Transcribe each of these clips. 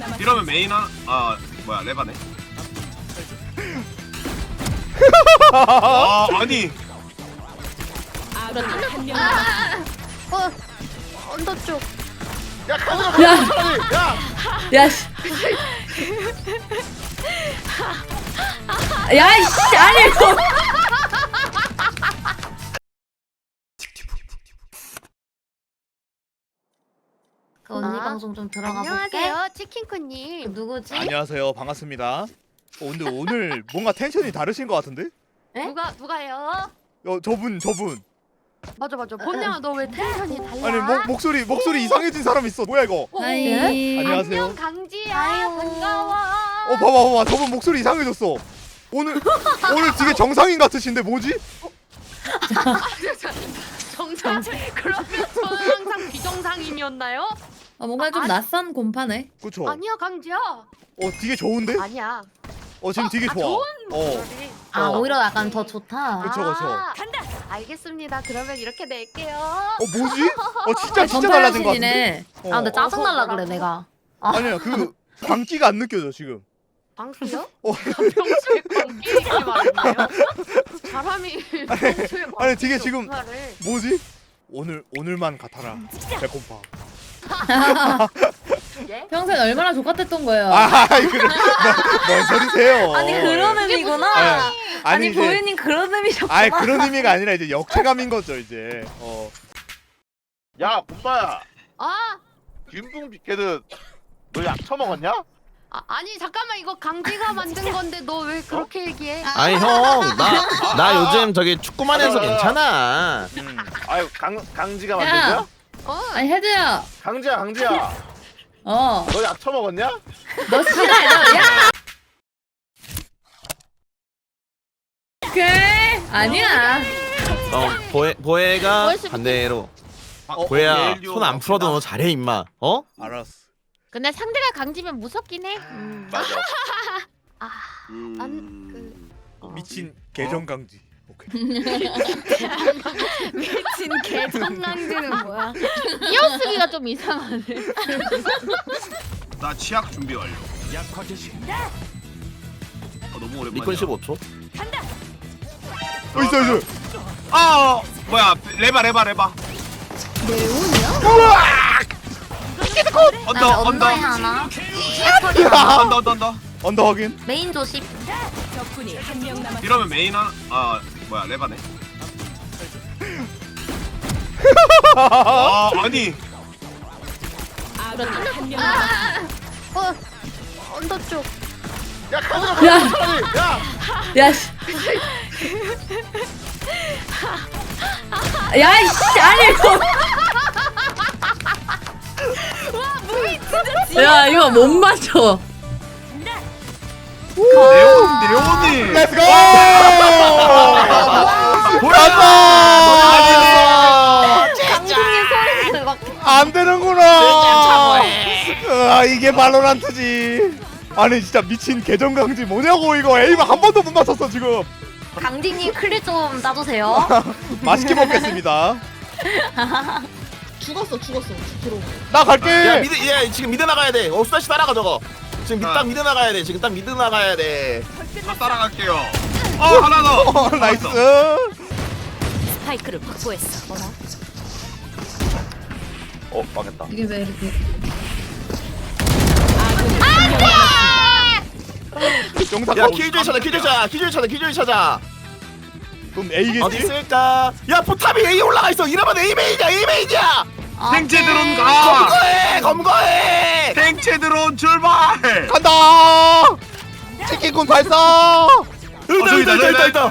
이러면 메인 뭐야 레바네. 아니 언더 쪽. 야, 야. 야, 야, 씨. 야, 씨, 아니, 이거. 그 언니 아, 방송 좀 들어가 볼게. 안녕하세요, 치킨쿠님. 누구지? 안녕하세요. 반갑습니다. 근데 오늘 뭔가 텐션이 다르신 것 같은데? 에? 누가요? 저분. 맞아. 본명아, 너 왜 텐션이 달라? 아니, 목소리 이상해진 사람 있어. 뭐야 이거? 하이. 안녕하세요. 안녕, 강지야. 아유. 반가워. 봐봐. 저분 목소리 이상해졌어. 오늘 되게 정상인 같으신데 뭐지? 정상. 그러면 저는 항상 비정상인이었나요? 뭔가 좀 낯선 곰파네. 그쵸? 아니야, 강지야. 되게 좋은데? 아니야. 지금 되게 좋아. 좋은 어. 목소리. 오히려 약간 더 좋다. 그쵸. 간다. 알겠습니다. 그러면 이렇게 낼게요. 뭐지? 진짜 달라진 것 같은데? 전파하시네. 근데 짜증날라 그래 내가. 아니야, 광기가 안 느껴져 지금. 방수요? 평소에 광기이기 말이에요. 사람이 평소에 아니, 되게 지금 말을. 뭐지? 오늘만 같아라. 배꼽파. 예? 평소에 얼마나 족같았던 거예요. 뭔 소리세요? 아니 그런 의미구나. 아니 이제, 보이님 그런 의미셨구나. 그런 의미가 아니라 이제 역체감인 거죠 이제. 야, 곰바야. 아, 김풍 비케드 너 약 처먹었냐? 아니 잠깐만, 이거 강지가 만든 건데 너 왜 그렇게 얘기해? 아니 형, 나 요즘 저기 축구만 해서 괜찮아. 아유, 강지가 만든 야. 거야? 아니, 헤드야. 강지야. 너 너 약 처먹었냐? 싫어해, 야! 오케이. 아니야. 보혜가 반대로. 보혜야, 손 안 풀어도 너 잘해 임마. 알았어. 근데 상대가 강지면 무섭긴 해. 맞아. 미친 계정 강지. 오케이. 미친 개정강지는 뭐야? 이어쓰기가 좀 이상하네. 나 치약 준비 완료. 너무 오랜만이야. 리콘 15초. 있어. 뭐야 레바. 언더에 하나. 언더. 언더 확인. 메인 조심. 이러면 메인 뭐야 레바네. 아니 언더 쪽. 야, 야, 야. 야, 씨. 야, 씨, 아니, 이거. 야, 이거 못 맞춰. 레오니. 렛츠고! 강동님 소리를 막. 안 되는구나. 이게 발로란트지. 아니 진짜 미친 계정 강지 뭐냐고 이거. 에이만 한 번도 못 맞췄어 지금. 강디님 클립 좀 따주세요. 맛있게 먹겠습니다. 죽었어. 들어. 나 갈게. 야 지금 미드 나가야 돼. 스타시 따라가 저거. 지금 딱 미드 나가야 돼. 지금 딱 미드 나가야 돼. 다 따라갈게요. 하나 더. 나이스. 스파이크를 확보했어. 망했다. 이게 왜 이렇게. 영상 야 킬조이 찾아. 그럼 어디 A겠지? 있을까? 야 포탑이 A 올라가 있어. 이러면 A 메인이야. 생체 드론 가. 검거해. 생체 드론 출발. 간다. 치킨군 발사. 있다.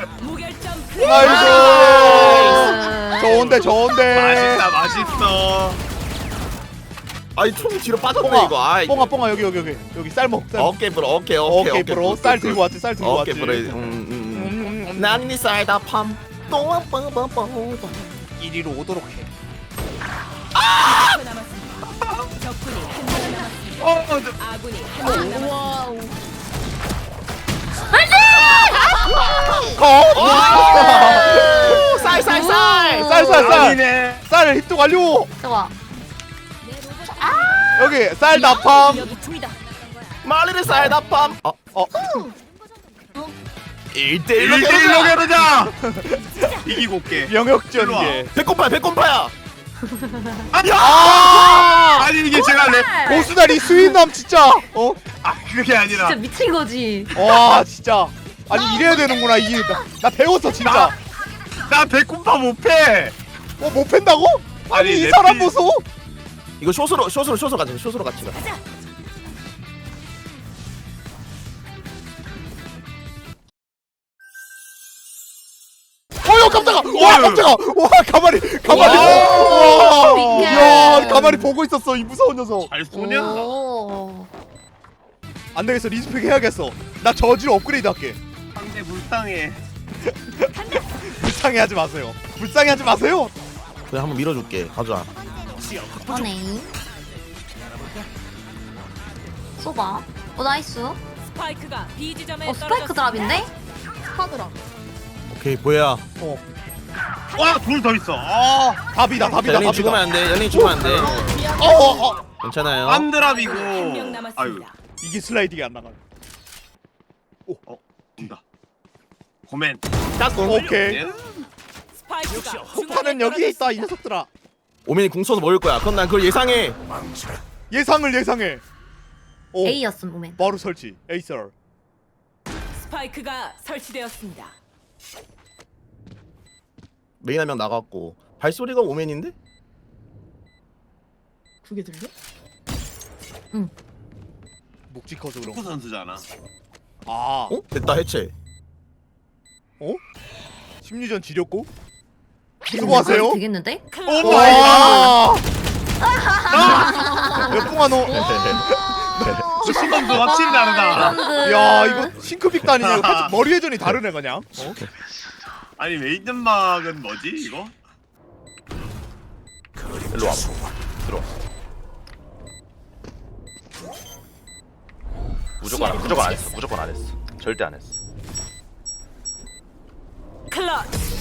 나이스. 좋은데. 맛있어. 아니 총 뒤로 빠졌네 이거. 아이. 뽕아 여기 쌀먹. 어깨 불어. 오케이 브로. 쌀 들고 왔지. 어깨 불어. 난이 쌀다 팜. 또한 뻥뻥뻥. 이리로 오도록 해. 쌀. 아니네. 쌀 힙도 완료. 좋아. 여기 쌀 나팜. 말리를 쌀다팜. 1대1로 1대1로 겨루자. 이기고 올게. 영역 일로 와. 전개. 백곰파야. 아! 아니 이게 제가 랩. 고수다리 스윗남 진짜. 아 그게 아니라. 진짜 미친 거지. 와 진짜. 아니 이래야 되는구나 이게. 나 배웠어 진짜. 나 백곰파 못 패. 못 팬다고? 아니 아니, 이 랩이- 사람 보소. 이거 숏으로 가자. 숏으로 같이 가. 어여 깜짝아. 와 깜짝아. 와 가만히. 와. 와. 야 가만히 보고 있었어 이 무서운 녀석. 잘 쏘냐? 오. 안 되겠어 리스펙 해야겠어. 나 저지로 업그레이드 할게. 상대 불쌍해. 불쌍해 하지 마세요. 불쌍해 하지 마세요. 그냥 한번 밀어줄게. 가자. 그러네. 쏘봐. 나이스. 스파이크가 B 지점에 스파이크 드랍인데? 하더라. 오케이 보야. 와둘 더 있어. 아 답이다 답이다 연린 죽으면 답이다. 안 돼. 연린 죽으면 안 돼. 괜찮아요. 안드랍이고. 한명 아유 남았습니다. 이게 슬라이딩이 안 나가. 온다. 고멘. 오케이. 스파이크가 폭탄은 여기에 있다 이 녀석들아. 오맨이 궁 쏘서 먹을 거야. 그건 난 그걸 예상해. 예상을 예상해. 오 A였음 오멘. 바로 설치. 에이서. 스파이크가 설치되었습니다. 메인 한 명 나갔고 발소리가 오맨인데? 그게 들려? 묵직해서 그런 축구 거. 선수잖아. 아. 어? 됐다 해체. 심리전 지렸고. 수고하세요. 되겠는데? 오 마이 갓. 와. 뿡아 너. 신범도 확실히 다르다. 야 이거 싱크빅 다니냐. 살짝 머리 회전이 다르네 그냥. 아니 웨이든막은 뭐지 이거? 일로 와봐. 들어와. 무조건 안 했어. 무조건 안 했어. 절대 안 했어. 클러치.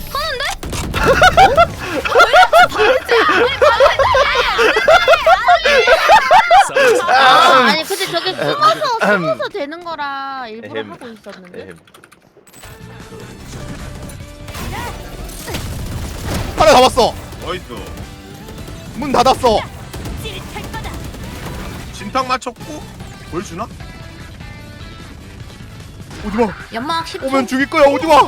아니 근데 저게 숨어서 되는 거라 일부러 에헴. 하고 있었는데. 에헴. 하나 잡았어. 어이스. 문 닫았어. 진탕 맞췄고 보여주나? 오지마. 연막 10초. 오면 죽일 거야 오지마.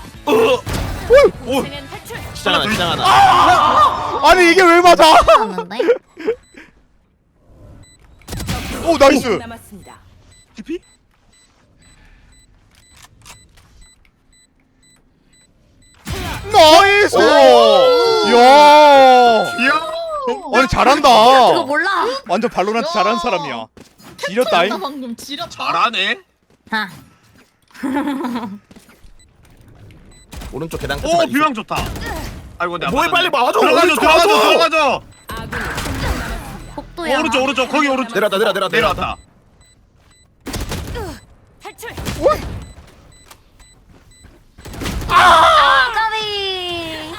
오. 시장 하나, 시장 하나. 아니 이게 왜 맞아? 았는데 오 나이스. 남았습니다. TP? 나이스. 야. 이야. 아니 잘한다. 그거 몰라. 완전 발로란트 잘하는 사람이야. 지렸다잉. 나 방금 지렸다. 잘하네. 아, 오른쪽 계단까지. 오 비망 좋다. 아이고 내가 뭐해 빨리 막아줘. 들어가줘 오른쪽 들어가줘 막아줘. 들어가줘. 아군이 복도야. 오른쪽 거기 오른쪽. 내려왔다. 내려왔다. 탈출. 까비.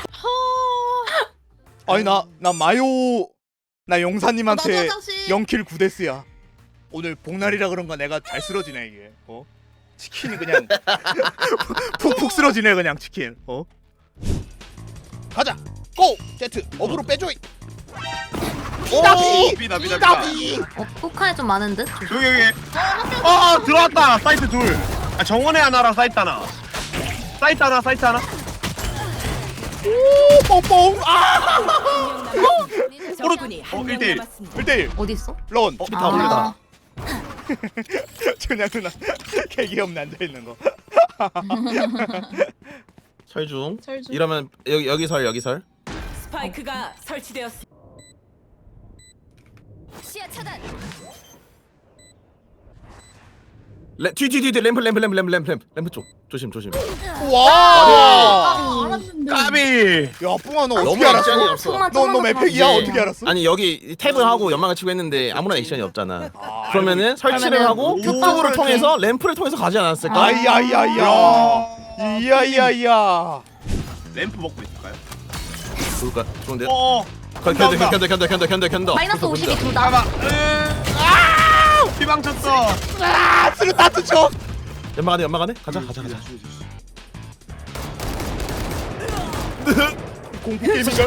아니 나 마요 나 용사님한테 나도 다시. 0킬 9데스야. 오늘 복날이라 그런가 내가 잘 쓰러지네 이게. 치킨이 그냥 푹푹 쓰러지네 그냥 치킨. 가자. 고 제트 어그로 빼줘. 오 비다. 폭탄이 좀 많은 듯. 여기. 아 들어왔다. 사이트 둘. 아 정원에 하나랑 사이트 하나. 사이트 하나. 오 뽕뽕. 아 적군이 한명 1대1. 남았습니다. 1대1 어디 있어? 런. 다 올려다. 그냥 누나 개귀엽네 앉아있는 거. 설중. 설중. 이러면 여기 설. 스파이크가 설치되었습니다. 뒤 램프 쪽. 조심. 와. 알았는데. 까비. 야 뿡아 너 너무 어떻게 알았어? 액션이 없어. 총만 너 조금만 맵팩이야 더 어떻게 알았어? 아니 여기 탭을 하고 연막을 치고 했는데 아무런 액션이 없잖아. 그러면은 설치를 그러면은 하고 그쪽으로 이렇게. 통해서 램프를 통해서 가지 않았을까? 아이야야야. 이야이야야. 램프 먹고 있을까요? 좋을까? 좋은데. 어. 견뎌. 마이너스 52 둘 다. 봐봐. 피방 쳤어. 아 수류탄 투척. 연막 안에 가자. 공포 게임인가?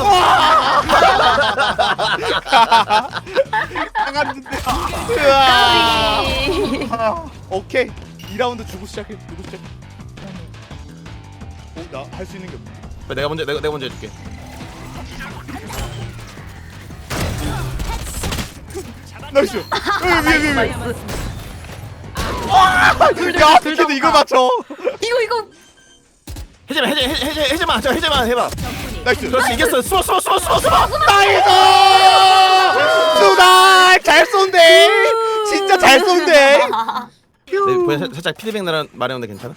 나갔는데. 으아. 오케이 2라운드 주고 시작해. 나 할 수 있는 게 없네. 내가 먼저 해줄게. 나이스. 위에. 야 피켓도 이걸 맞춰. 이거 해제만 해봐. 나이스. 그렇지 이겼어. 숨어. 나이스. 수달 잘 쏜대. 진짜 잘 쏜대. 살짝 피드백 말했는데 괜찮아?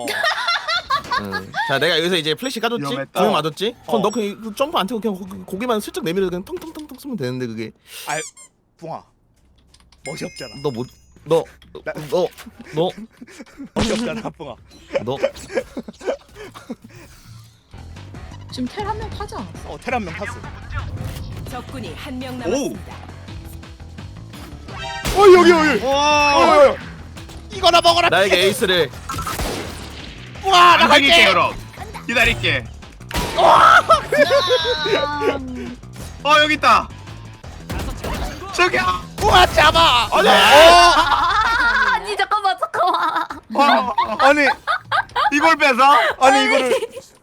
자 내가 여기서 이제 플래시 까줬지? 위험했다. 두명 맞았지? 그럼 너 그냥 점프 안 태고 그냥 고개만 슬쩍 내밀어 그냥 텅텅텅텅 쓰면 되는데 그게 아 붕아 멋이 없잖아. 너 멋이 없잖아 붕아. 지금 텔 한 명 타지 않았어? 텔 한 명 탔어. 적군이 한 명 남았습니다. 여기. 와. 이거나 먹어라. 나에게 에이스를 붕아 나 안 당길게 갈게. 그럼. 기다릴게. 여기 있다. 저기야. 붕아 잡아. 아니 잠깐만. 아니 이걸 뺏어? 아니 이거를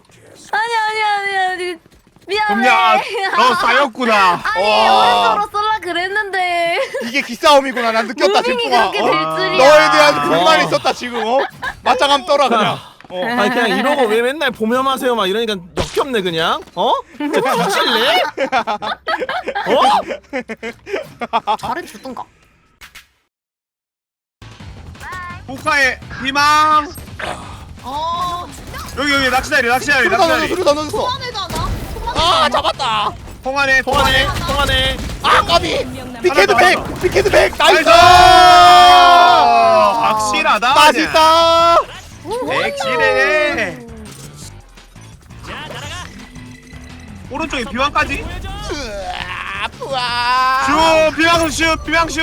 아니 미안해. 봄야, 너 쌓였구나. 아니 오른쪽으로 쏠라 그랬는데 이게 기싸움이구나. 난 느꼈다 지금 무빙이 붕아. 그렇게 될 줄이야. 너에 대한 불만이 있었다 지금. 맞짱함 떠라 그냥. 아니 그냥 이러고 왜 맨날 보면하세요 막 이러니까 역겹네 그냥 진짜 뒤질래? 잘해주던가. 포카의 희망. 여기 낚시다리. 수류탄 넣었어. 소환해잖아. 아 잡았다. 통하네. 통하네 아 까비. 한명 남았. 피켓드 하나 더, 100. 피켓드 100. 나이스. 확실하다. 맛있다. 백실해. 오른쪽에 비왕까지. 푸아. 비왕슛.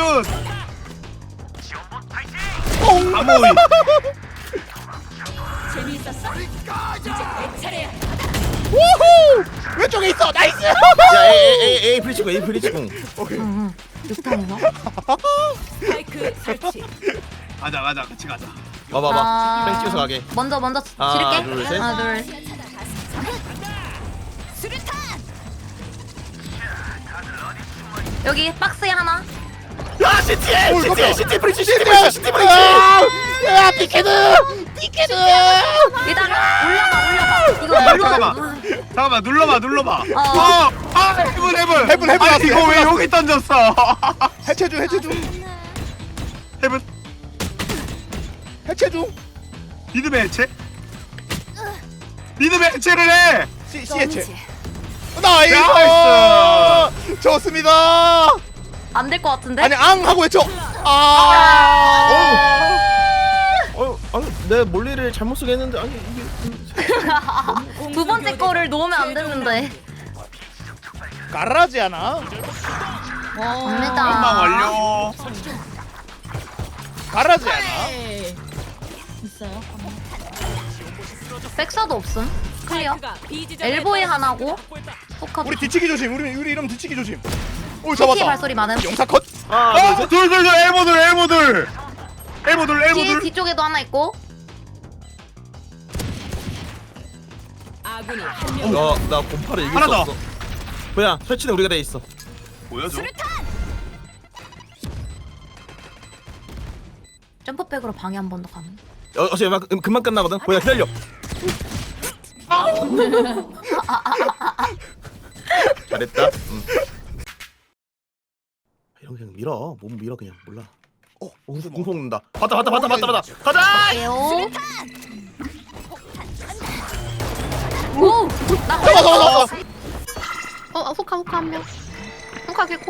아모이. 재미있었어? 이제 내 차례야. 우후. 왼쪽에 있어. 나이스. 야 에이 프리치공 오케이. 육탄이나? 스파이크 설치. 가자. 같이 가자. 봐봐 뺑 찍어서 가게 먼저 하나, 지를게. 둘, 셋. 하나 둘. 여기 박스에 하나. 야 CT에 프리치 야 피켓드. 일단 올라가. 이거 잠깐만 눌러봐. 어. 해븐. 해븐 아니 왔어, 이거 해븐 왜 왔어. 여기 던졌어? 해체 중. 해븐. 해체 중. 믿음의 해체? 믿음의 해체를 해. C 해체. 나이스. 나이스. 좋습니다. 안 될 것 같은데? 아니 앙 하고 외쳐. 아니 내 몰리를 잘못 쓰게 했는데 아니 이게 두 번째 거를 놓으면 안 됐는데. 가라지 않아? 갑니다. 한방 완료. 가라지 않아? 있어요. 백사도 없음. 클리어. 스파이크가 B 지점에 엘보에 떨어졌습니다. 하나고. 포카. 우리 뒤치기 조심. 우리 이름 뒤치기 조심. 오 키 잡았다. 발소리 많음. 영사 컷. 둘 엘보들. 뒤 뒤쪽에도 하나 있고. 아군이 한 명. 나 곰파를 이길 하나 수 더. 없어 뭐야 설치는 우리가 돼 있어 보여줘. 점프백으로 방해 한 번 더 가능. 어차피 금방 끝나거든 뭐야 기다려 잘했다 이런 그냥 밀어 몸 밀어 그냥 몰라 궁폭 는다 봤다 가자 게요. 오! 나 잡아. 호카 한 명. 호카 개코.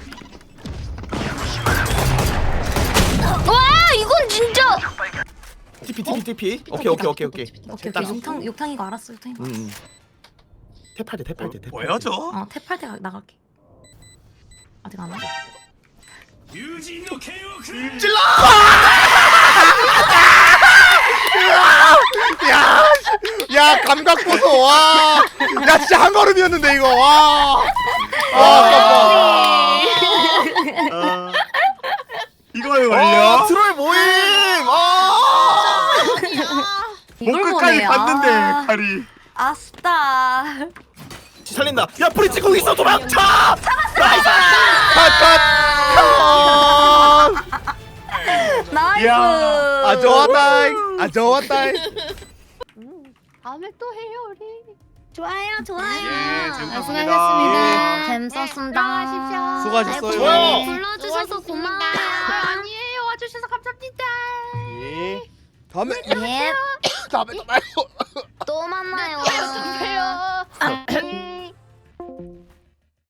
와, 이건 진짜. TP 오케이 오케이. 육탕 이거 알았어. 육탕 이거. 탭할 때 보여줘. 탭할 때 나갈게. 아직 안 와? 찔러! 야 감각 보소 와. 야 진짜 한 걸음이었는데 이거 와. 이걸 걸려? 트롤 모임! 이걸 목끝까지 보네. 봤는데 아, 칼이. 아싸. 살린다. 야 브릿지 거기 있어 도망쳐! 나이스. 야. 아 좋았다잉. 아 좋았다잉. 다음에 또 해요 우리. 좋아요, 좋아요. 예, 재밌었습니다. 수고하셨습니다. 재밌었습니다. 들어가십시오. 수고하셨어요. 좋아요. 불러주셔서 고마워요. 아니에요 와주셔서 감사합니다. 예. 다음에 예, 다음에 또 봐요. 또 만나요. 안녕하세요.